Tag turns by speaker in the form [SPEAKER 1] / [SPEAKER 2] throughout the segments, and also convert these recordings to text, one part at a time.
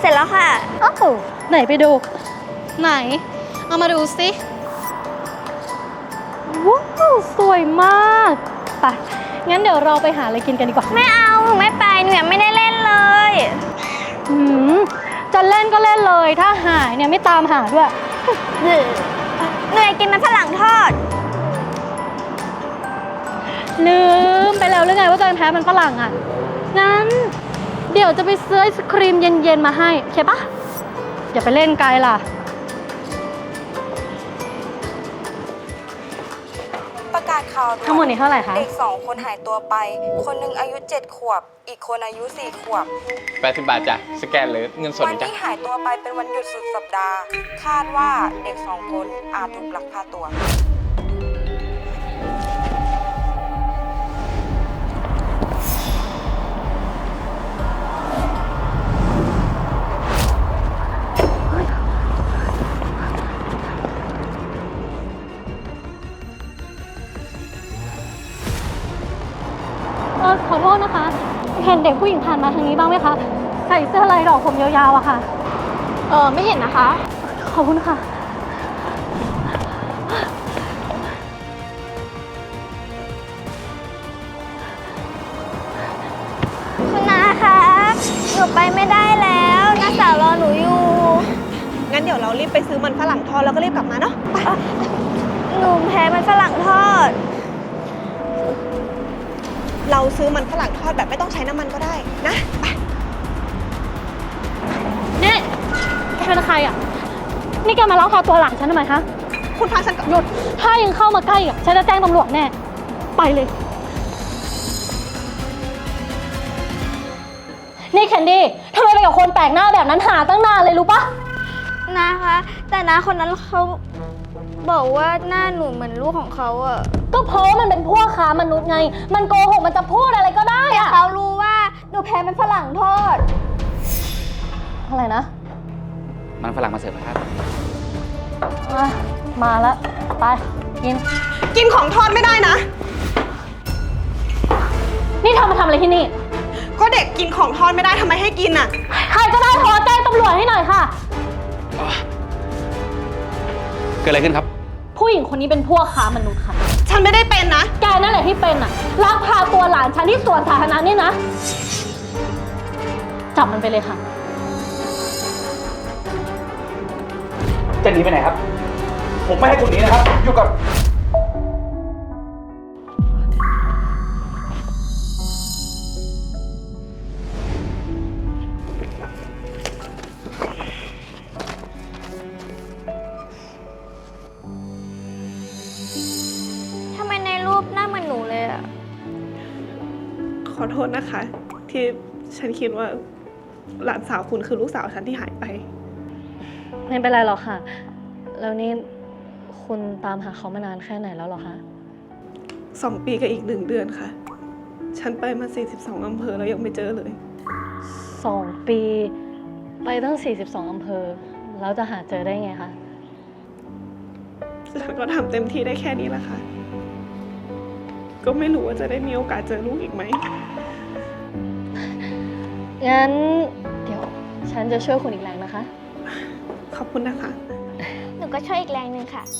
[SPEAKER 1] เสร็จแล้วค่ะ
[SPEAKER 2] อ้าวไหนไปดูไหนเอามาดูสิว้าวสวยมากไปงั้นเดี๋ยวเราไปหาอะไรกินกันดีกว่า
[SPEAKER 1] ไม่เอาหนูไม่ไปหนูยังไม่ได้เล่นเลย
[SPEAKER 2] หืมจะเล่นก็เล่นเลยถ้าหายเนี่ยไม่ตามหาด้วย
[SPEAKER 1] หนูอยากกินมันฝรั่งทอด
[SPEAKER 2] ลืมไปแล้วหรือไงว่าตัวเองแพ้มันฝรั่งอ่ะงั้นเดี๋ยวจะไปซื้อไอศครีมเย็นๆมาให้โอเคปะอย่าไปเล่นไกลล่ะ
[SPEAKER 3] ประกาศข่าว
[SPEAKER 2] ทั้งหมดนี้เท่าไหร่คะ
[SPEAKER 3] เด็ก2 คนหายตัวไปคนหนึ่งอายุ7 ขวบอีกคนอายุ4 ขวบ
[SPEAKER 4] 80 บาทจ้ะสแกนเลยเงินสด
[SPEAKER 3] วันที่หายตัวไปเป็นวันหยุดสุดสัปดาห์คาดว่าเด็ก2 คนอาจถูกลักพาตัว
[SPEAKER 2] ขอโทษนะคะเห็นเด็กผู้หญิงผ่านมาทางนี้บ้างไหมคะใส่เสื้อลายดอกผมยาวๆอะค่ะ
[SPEAKER 1] ไม่เห็นนะคะ
[SPEAKER 2] ขอบคุณค่ะ
[SPEAKER 1] คุณนาคะหนูไปไม่ได้แล้วน้าสาวรอหนูอยู่
[SPEAKER 3] งั้นเดี๋ยวเรารีบไปซื้อมันฝรั่งทอดแล้วก็รีบกลับมาเนาะไป
[SPEAKER 1] หนูแพ้มันฝรั่งทอด
[SPEAKER 3] เราซื้อมันฝรั่งทอดแบบไม่ต้องใช้น้ำมันก็ได้นะไป
[SPEAKER 2] นี่แกเป็นใครอ่ะนี่แกมาลักพาตัวหลานฉันทำไมคะ
[SPEAKER 3] คุณพาฉัน
[SPEAKER 2] หยุดถ้ายังเข้ามาใกล้อ่ะฉันจะแจ้งตำรวจแน่ไปเลยนี่แคนดี้ทำไมไปกับคนแปลกหน้าแบบนั้นหาตั้งนานเลยรู้ปะ
[SPEAKER 1] นะคะแต่น้าคนนั้นเขาบอกว่าหน้าหนูเหมือนลูกของเขาอ่ะ
[SPEAKER 2] ก็เพราะมันเป็นพวกค้ามนุษย์ไงมันโกหกมันจะพูดอะไรก็ได้อะ
[SPEAKER 1] เขารู้ว่าหนูแพ้มันฝรั่งทอด
[SPEAKER 2] อะไรนะ
[SPEAKER 4] มันฝรั่งมาเสิร์ฟครับ
[SPEAKER 2] มาแล้วไป
[SPEAKER 3] กินของทอดไม่ได้นะ
[SPEAKER 2] นี่เธอมาทำอะไรที่นี่
[SPEAKER 3] ก็เด็กกินของทอดไม่ได้ทำไมให้กินอ่ะ
[SPEAKER 2] ใครก็ได้โทรแจ้งตำรวจให้หน่อยค่ะ
[SPEAKER 4] เกิดอะไรขึ้นครับ
[SPEAKER 2] ผู้หญิงคนนี้เป็นพวกค้ามนุษย์ค่ะ
[SPEAKER 3] ฉันไม่ได้เป็นนะ
[SPEAKER 2] แกนั่นแหละที่เป็นอ่ะลักพาตัวหลานฉันที่สวนสาธารณะนี่นะจับมันไปเลยค่ะ
[SPEAKER 4] จะหนีไปไหนครับผมไม่ให้คุณหนีนะครับอยู่กับ
[SPEAKER 1] ทำไมในรูปหน้าเหมือนหนูเลยอะ
[SPEAKER 3] ขอโทษนะคะที่ฉันคิดว่าหลานสาวคุณคือลูกสาวฉันที่หายไป
[SPEAKER 2] ไม่เป็นไรหรอกค่ะแล้วนี่คุณตามหาเขามานานแค่ไหนแล้วหรอคะ
[SPEAKER 3] 2 ปีกับอีก1 เดือนค่ะฉันไปมา42 อำเภอแล้วยังไม่เจอเลย
[SPEAKER 2] 2 ปีไปตั้ง42 อำเภอแล้วจะหาเจอได้ไงคะ
[SPEAKER 3] ฉันก็ทำเต็มที่ได้แค่นี้แหละค่ะก็ไม่รู้ว่าจะได้มีโอกาสเจอลูกอีกไหม
[SPEAKER 2] งั้นเดี๋ยวฉันจะช่วยคุณอีกแรงนะคะ
[SPEAKER 3] ขอบคุณนะคะ
[SPEAKER 1] หนูก็ช่วยอีกแรงหนึ่งค่ะ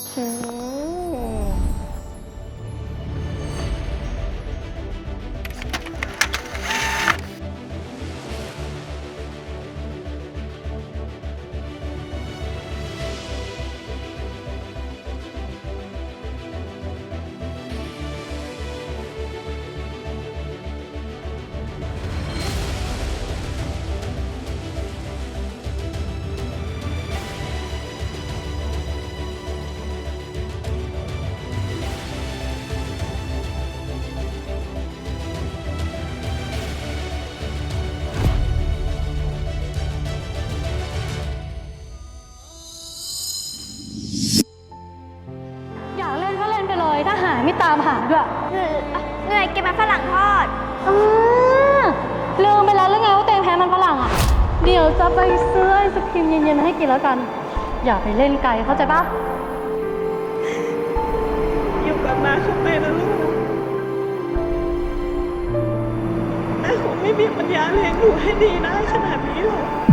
[SPEAKER 2] ถ้าหายไม่ตามหาด้วย
[SPEAKER 1] เหนื่อยกินมันฝรั่งทอด
[SPEAKER 2] ลืมไปแล้วหรือไงว่าเตงแพ้มันฝรั่งอ่ะเดี๋ยวจะไปซื้อไอศครีมเย็นๆให้กินแล้วกันอย่าไปเล่นไกลเข้าใจปะ
[SPEAKER 3] อยู่กับน้าเข้าไปนะลูกน้าคงไม่มีปัญญาเลี้ยงหนูให้ดีได้ขนาดนี้หรอก